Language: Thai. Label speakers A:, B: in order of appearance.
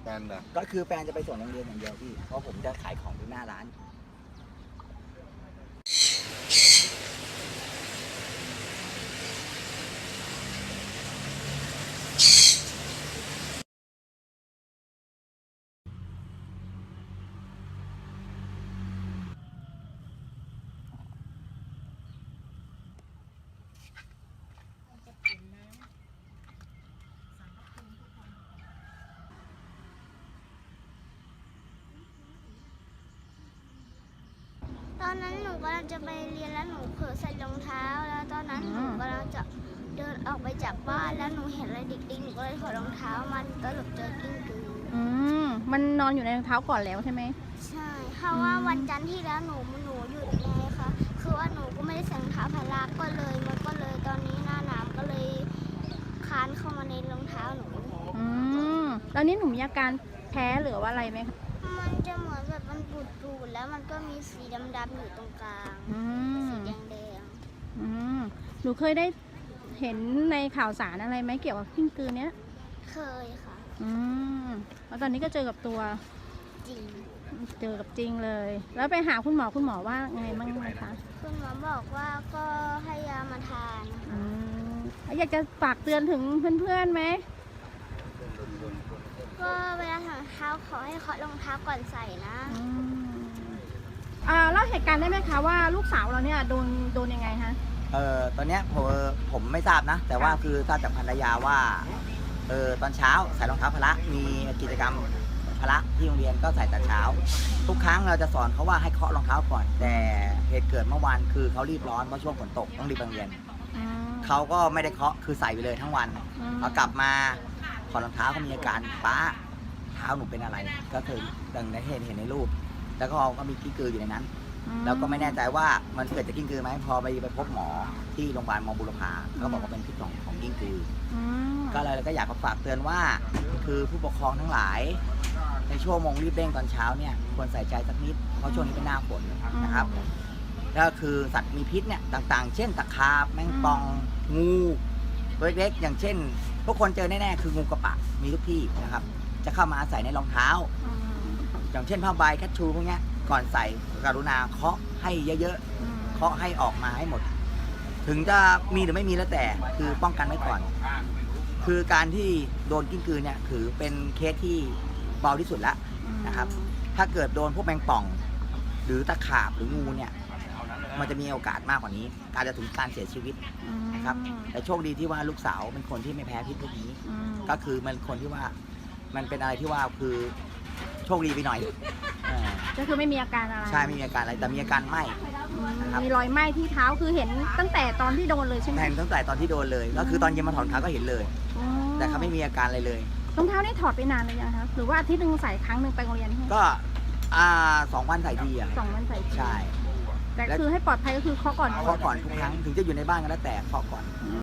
A: ฟนเหรอ
B: ก็คือแฟนจะไปส่งโรงเรียนอย่างเดียวพี่เพราะผมจะขายของอยู่หน้าร้าน
C: ตอนนั้นหนูกำลังจะไปเรียนแล้วหนูเผลอใส่รองเท้าแล้วตอนนั้นหนูกำลังจะเดินออกไปจากบ้านแล้วหนูเห็นอะไรเด็กๆหนูก็เลยถอดรองเท้ามันก็หลบเจอกิ้งกือ
D: มันนอนอยู่ในรองเท้าก่อนแล้วใช่ไหม
C: ใช่เพราะว่าวันจันทร์ที่แล้วหนูหยุดไงคะคือว่าหนูก็ไม่ได้ใส่รองเท้าพละก็เลยตอนนี้หน้าหนาวก็เลยคานเข้ามาในรองเท้าหนู
D: ตอนนี้หนูมีอาการแพ้หรือว่าอะไรไหมคะ
C: มันจะเหมือนแบบมันปูดๆแล้วมันก็มีสีดำๆอยู่ตรงกลางสีแดง
D: หนูเคยได้เห็นในข่าวสารอะไรไหมเกี่ยวกับกิ้งกือเนี้ย
C: เคยค่ะ
D: แล้วตอนนี้ก็เจอกับตัว
C: จริง
D: เจอกับจริงเลยแล้วไปหาคุณหมอว่าไงบ้างไหมคะ
C: คุณหมอบอกว่าก็ให้ยามาทาน
D: อยากจะฝากเตือนถึงเพื่อนๆไหม
C: ก็เวลาถอดรองเท้าขอให้เคาะรองเท้าก่อนใส่นะ
D: เล่าเหตุการณ์ได้ไหมคะว่าลูกสาวเราเนี่ยโดนยังไงคะ
B: ตอนเนี้ยผมไม่ทราบนะแต่ว่าคือทราบจากภรรยาว่าตอนเช้าใส่รองเท้าพละมีกิจกรรมพละที่โรงเรียนก็ใส่แต่เช้าทุกครั้งเราจะสอนเขาว่าให้เคาะรองเท้าก่อนแต่เหตุเกิดเมื่อวานคือเขารีบร้อนเพราะช่วงฝนตกต้องรีบไปโรงเรียนเขาก็ไม่ได้เคาะคือใส่ไปเลยทั้งวันพอกลับมาถอดรองเท้าเขามีอาการป้าเท้าหนูเป็นอะไรก็คือดังในเห็นในรูปแล้วก็มีกิ้งกืออยู่ในนั้นแล้วก็ไม่แน่ใจว่ามันเกิดจากกิ้งกือไหมพอไปพบหมอที่โรงพยาบาลมบุรพาก็บอกว่าเป็นพิษของกิ้งกือก็เลยก็อยากฝากเตือนว่าคือผู้ปกครองทั้งหลายในช่วงโมงรีบเร่งตอนเช้าเนี่ยควรใส่ใจสักนิดเพราะช่วงนี้เป็นหน้าฝนนะครับก็คือสัตว์มีพิษเนี่ยต่างๆเช่นตะขาบแมงป่องงูตัวเล็กๆอย่างเช่นพวกคนเจอแน่ๆคืองูกระปะมีทุกที่นะครับจะเข้ามาอาศัยในรองเท้าอย่างเช่นผ้าใบแคชชูพวกนี้ก่อนใส่กรุณาเคาะให้เยอะๆเคาะให้ออกมาให้หมดถึงจะมีหรือไม่มีแล้วแต่คือป้องกันไว้ก่อนคือการที่โดนกิ้งกือเนี่ยถือเป็นเคสที่เบาที่สุดแล้วนะครับถ้าเกิดโดนพวกแมงป่องหรือตะขาบหรืองูเนี่ยมันจะมีโอกาสมากกว่านี้การจะถึงการเสียชีวิตนะครับแต่โชคดีที่ว่าลูกสาวเป็นคนที่ไม่แพ้พิษพวกนี้ก็คือมันคนที่ว่ามันเป็นอะไรที่ว่าคือโชคดีไปหน่อย
D: ก็คือไม่มีอาการอะไร
B: ใช่ไม่มีอาการอะไรแต่มีอาการไหม้นะครับ
D: มีรอยไหม้ที่เท้าคือเห็นตั้งแต่ตอนที่โดนเลยใช่ไหม
B: เห็นตั้งแต่ตอนที่โดนเลยก็คือตอนเย็นมาถอดรองเท้าก็เห็นเลยแต่เขาไม่มีอาการอะไรเลย
D: รองเท้านี่ถอดไปนานเลยยังคะหรือว่าอาทิตย์นึงใส่ครั้งหนึ่งไปโรงเรียน
B: ก็2 วันใส่ที
D: 2 วันใส่ที
B: ใช่
D: แต่คือให้ปลอดภัยก็คือเคาะก่อน
B: ทุกครั้งถึงจะอยู่ในบ้านก็แล้วแต่เคาะก่อน